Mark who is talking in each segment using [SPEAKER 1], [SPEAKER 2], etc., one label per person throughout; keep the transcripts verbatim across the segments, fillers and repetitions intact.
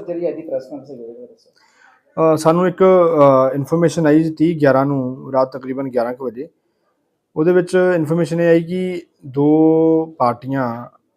[SPEAKER 1] Sir ਜਿਹੜੀ ਅੱਜ ਦੀ press conference ਹੋਈ ਉਹਦੇ ਬਾਰੇ ਦੱਸੋ।
[SPEAKER 2] ਅ, ਸਾਨੂੰ ਇੱਕ ਇਨਫੋਰਮੇਸ਼ਨ ਆਈ ਤੀਹ ਗਿਆਰਾਂ ਨੂੰ ਰਾਤ ਤਕਰੀਬਨ ਗਿਆਰਾਂ ਕੁ ਵਜੇ। ਉਹਦੇ ਵਿੱਚ ਇਨਫੋਰਮੇਸ਼ਨ ਇਹ ਆਈ ਕਿ ਦੋ ਪਾਰਟੀਆਂ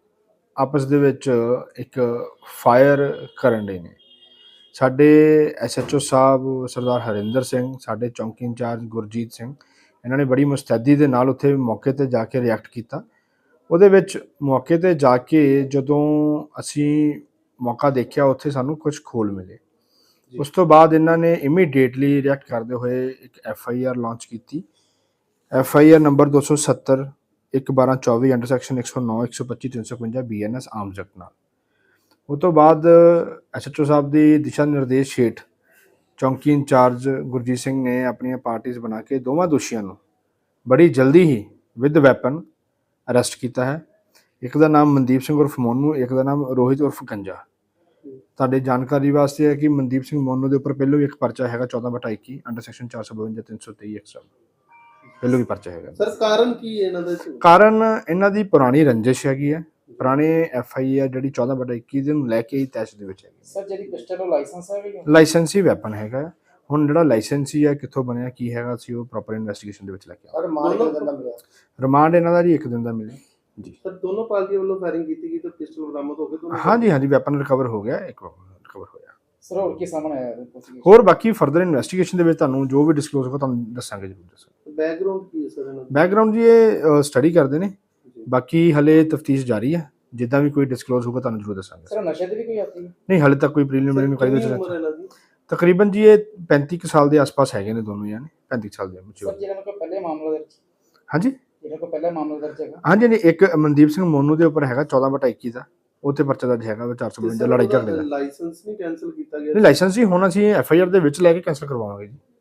[SPEAKER 2] ਆਪਸ ਦੇ ਵਿੱਚ ਇੱਕ ਫਾਇਰ ਕਰਨ ਡੇ ਨੇ। ਸਾਡੇ ਐਸ ਐਚ ਓ ਸਾਹਿਬ ਸਰਦਾਰ ਹਰਿੰਦਰ ਸਿੰਘ, ਸਾਡੇ ਚੌਂਕੀ ਇੰਚਾਰਜ ਗੁਰਜੀਤ ਸਿੰਘ, ਇਹਨਾਂ ਨੇ ਬੜੀ ਮੁਸਤੈਦੀ ਦੇ ਨਾਲ ਉੱਥੇ ਮੌਕੇ 'ਤੇ ਜਾ ਕੇ ਰਿਐਕਟ ਕੀਤਾ। ਉਹਦੇ ਵਿੱਚ ਮੌਕੇ 'ਤੇ ਜਾ ਕੇ ਜਦੋਂ ਅਸੀਂ ਮੌਕਾ ਦੇਖਿਆ, ਉੱਥੇ ਸਾਨੂੰ ਕੁਝ ਖੋਲ ਮਿਲੇ। ਉਸ ਤੋਂ ਬਾਅਦ ਇਹਨਾਂ ਨੇ ਇਮੀਡੀਏਟਲੀ ਰਿਐਕਟ ਕਰਦੇ ਹੋਏ ਇੱਕ ਐਫ ਆਈ ਆਰ ਲਾਂਚ ਕੀਤੀ। ਐਫ ਆਈ ਆਰ ਨੰਬਰ ਦੋ ਸੌ ਸੱਤਰ ਇੱਕ ਬਾਰਾਂ ਚੌਵੀ ਅੰਡਰ ਸੈਕਸ਼ਨ ਇੱਕ ਸੌ ਨੌ ਇੱਕ ਸੌ ਪੱਚੀ ਤਿੰਨ ਸੌ ਇਕਵੰਜਾ B N S arms act ਨਾਲ। ਉਹ ਤੋਂ ਬਾਅਦ ਐਸ ਐਚ ਓ ਸਾਹਿਬ ਦੀ ਦਿਸ਼ਾ ਨਿਰਦੇਸ਼ ਹੇਠ ਚੌਂਕੀ ਇੰਚਾਰਜ ਗੁਰਜੀਤ ਸਿੰਘ ਨੇ ਆਪਣੀਆਂ ਪਾਰਟੀਆਂ ਬਣਾ ਕੇ ਦੋਵਾਂ ਦੋਸ਼ੀਆਂ ਨੂੰ ਬੜੀ ਜਲਦੀ ਹੀ ਵਿਦ ਵੈਪਨ ਅਰੈਸਟ ਕੀਤਾ ਹੈ। ਇੱਕ ਦਾ ਨਾਮ ਮਨਦੀਪ ਸਿੰਘ ਉਰਫ ਮੋਨੂ, ਇੱਕ ਦਾ ਨਾਮ ਰੋਹਿਤ ਉਰਫ ਗੰਜਾ। ਤੁਹਾਡੇ ਜਾਣਕਾਰੀ ਵਾਸਤੇ ਹੈ ਕਿ ਮਨਦੀਪ ਸਿੰਘ ਮੋਨੂ ਦੇ ਉੱਪਰ ਪਹਿਲੋਂ ਵੀ ਇੱਕ ਪਰਚਾ ਹੈਗਾ ਚੌਦਾਂ ਬਟਾ ਇੱਕੀ ਅੰਡਰ ਸੈਕਸ਼ਨ ਚਾਰ ਸੌ ਬਵੰਜਾ ਤਿੰਨ ਸੌ ਤੇਈ ਐਕਸਟਰਾ, ਪਹਿਲੋਂ ਵੀ ਪਰਚਾ ਹੈਗਾ।
[SPEAKER 3] ਸਰ ਕਾਰਨ ਕੀ ਹੈ ਇਹਨਾਂ ਦਾ?
[SPEAKER 2] ਕਾਰਨ ਇਹਨਾਂ ਦੀ ਪੁਰਾਣੀ ਰੰਜਿਸ਼ ਹੈਗੀ ਹੈ। ਪੁਰਾਣੇ ਐਫ ਆਈ ਆਰ ਜਿਹੜੀ ਚੌਦਾਂ ਬਟਾ ਇੱਕੀ ਦੇ ਨੂੰ ਲੈ ਕੇ ਹੀ ਤੈਸ਼ ਦੇ ਵਿੱਚ ਹੈਗੀ।
[SPEAKER 1] ਸਰ ਜਿਹੜੀ ਪਿਸਟਲ ਉਹ ਲਾਇਸੈਂਸ ਹੈ ਵੀ?
[SPEAKER 2] ਲਾਇਸੈਂਸੀ ਵੈਪਨ ਹੈਗਾ। ਹੁਣ ਜਿਹੜਾ ਲਾਇਸੈਂਸੀ ਹੈ ਕਿੱਥੋਂ ਬਣਿਆ ਕੀ ਹੈਗਾ ਸੀ ਉਹ ਪ੍ਰੋਪਰ ਇਨਵੈਸਟੀਗੇਸ਼ਨ ਦੇ ਵਿੱਚ ਲੈ ਕੇ ਆਵਾਂਗੇ।
[SPEAKER 1] ਰਿਮਾਂਡ ਕਿੰਨੇ ਦਿਨ ਦਾ ਮਿਲਿਆ?
[SPEAKER 2] ਰਿਮਾਂਡ ਇਹਨਾਂ ਦਾ ਜੀ ਇੱਕ ਦਿਨ ਦਾ ਮਿਲਿਆ ਜੀ।
[SPEAKER 3] ਸਰ ਦੋਨੋਂ ਪਾਰਟੀਆਂ ਵੱਲੋਂ ਫਾਇਰਿੰਗ ਕੀਤੀ ਗਈ ਤੇ ਪਿਸਟਲ ਬਰਾਮਦ ਹੋ ਗਏ ਦੋਨੋਂ?
[SPEAKER 2] ਹਾਂਜੀ ਹਾਂਜੀ, ਵੈਪਨ ਰਿਕਵਰ ਹੋ ਗਿਆ, ਇੱਕ ਰਿਕਵਰ ਹੋਇਆ।
[SPEAKER 1] ਸਰ ਹੋਰ ਕੀ ਸਾਹਮਣੇ ਆਇਆ?
[SPEAKER 2] ਹੋਰ ਬਾਕੀ ਫਰਦਰ ਇਨਵੈਸਟੀਗੇਸ਼ਨ ਦੇ ਵਿੱਚ ਤੁਹਾਨੂੰ ਜੋ ਵੀ ਡਿਸਕਲੋਜ਼ ਹੋਗਾ ਤੁਹਾਨੂੰ ਦੱਸਾਂਗੇ, ਜ਼ਰੂਰ ਦੱਸਾਂਗੇ।
[SPEAKER 3] ਬੈਕਗ੍ਰਾਉਂਡ ਕੀ ਹੈ ਸਰ ਇਹਨਾਂ ਦਾ?
[SPEAKER 2] ਬੈਕਗ੍ਰਾਉਂਡ ਜੀ ਇਹ ਸਟੱਡੀ ਕਰਦੇ ਨੇ, ਬਾਕੀ ਹਲੇ ਤਫਤੀਸ਼ ਜਾਰੀ ਹੈ। ਜਿੱਦਾਂ ਵੀ ਕੋਈ ਡਿਸਕਲੋਜ਼ ਹੋਗਾ ਤੁਹਾਨੂੰ ਜ਼ਰੂਰ ਦੱਸਾਂਗੇ।
[SPEAKER 1] ਸਰ ਨਸ਼ੇ ਦੀ ਵੀ ਕੋਈ ਆਤੀ ਹੈ?
[SPEAKER 2] ਨਹੀਂ, ਹਲੇ ਤੱਕ ਕੋਈ ਪ੍ਰੀਲਿਮਿਨਰੀ ਇਨਕੁਆਇਰੀ ਦੇ ਵਿੱਚ ਤਕਰੀਬਨ ਜੀ ਇਹ ਪੈਂਤੀ ਕੁ ਸਾਲ ਦੇ ਆਸ-ਪਾਸ ਹੈਗੇ ਨੇ ਦੋਨੋਂ ਜਾਨੇ, ਪੈਂਤੀ ਸਾਲ ਦੇ।
[SPEAKER 1] ਸਰ ਜਿਹਨਾਂ ਕੋਲ ਪਹਿਲੇ ਮਾਮਲਾ ਦਰਜ?
[SPEAKER 2] ਹਾਂਜੀ,
[SPEAKER 1] ਜਿਹਨਾਂ ਕੋਲ ਪਹਿਲਾ ਮਾਮਲਾ ਦਰਜ ਹੈਗਾ?
[SPEAKER 2] ਹਾਂਜੀ ਨਹੀਂ, ਇੱਕ ਮਨਦੀਪ ਸਿੰਘ ਮੋਨੂ ਦੇ ਉੱਪਰ ਹੈਗਾ ਚੌਦਾਂ ਬਟਾ ਇੱਕੀ ਦਾ, ਉੱਥੇ ਪਰਚਾ ਦਰਜ ਹੈਗਾ ਚਾਰ ਸੌ ਬਵੰਜਾ ਲੜਾਈ ਝਗੜੇ ਦਾ।
[SPEAKER 3] ਲਾਇਸੈਂਸ ਨਹੀਂ ਕੈਂਸਲ ਕੀਤਾ ਗਿਆ?
[SPEAKER 2] ਨਹੀਂ, ਲਾਇਸੈਂਸ ਹੀ ਹੁਣ ਅਸੀਂ ਐਫ ਆਈ ਆਰ ਦੇ ਵਿੱਚ ਲੈ ਕੇ ਕੈਂਸਲ ਕਰਵਾਵਾਂਗੇ ਜੀ।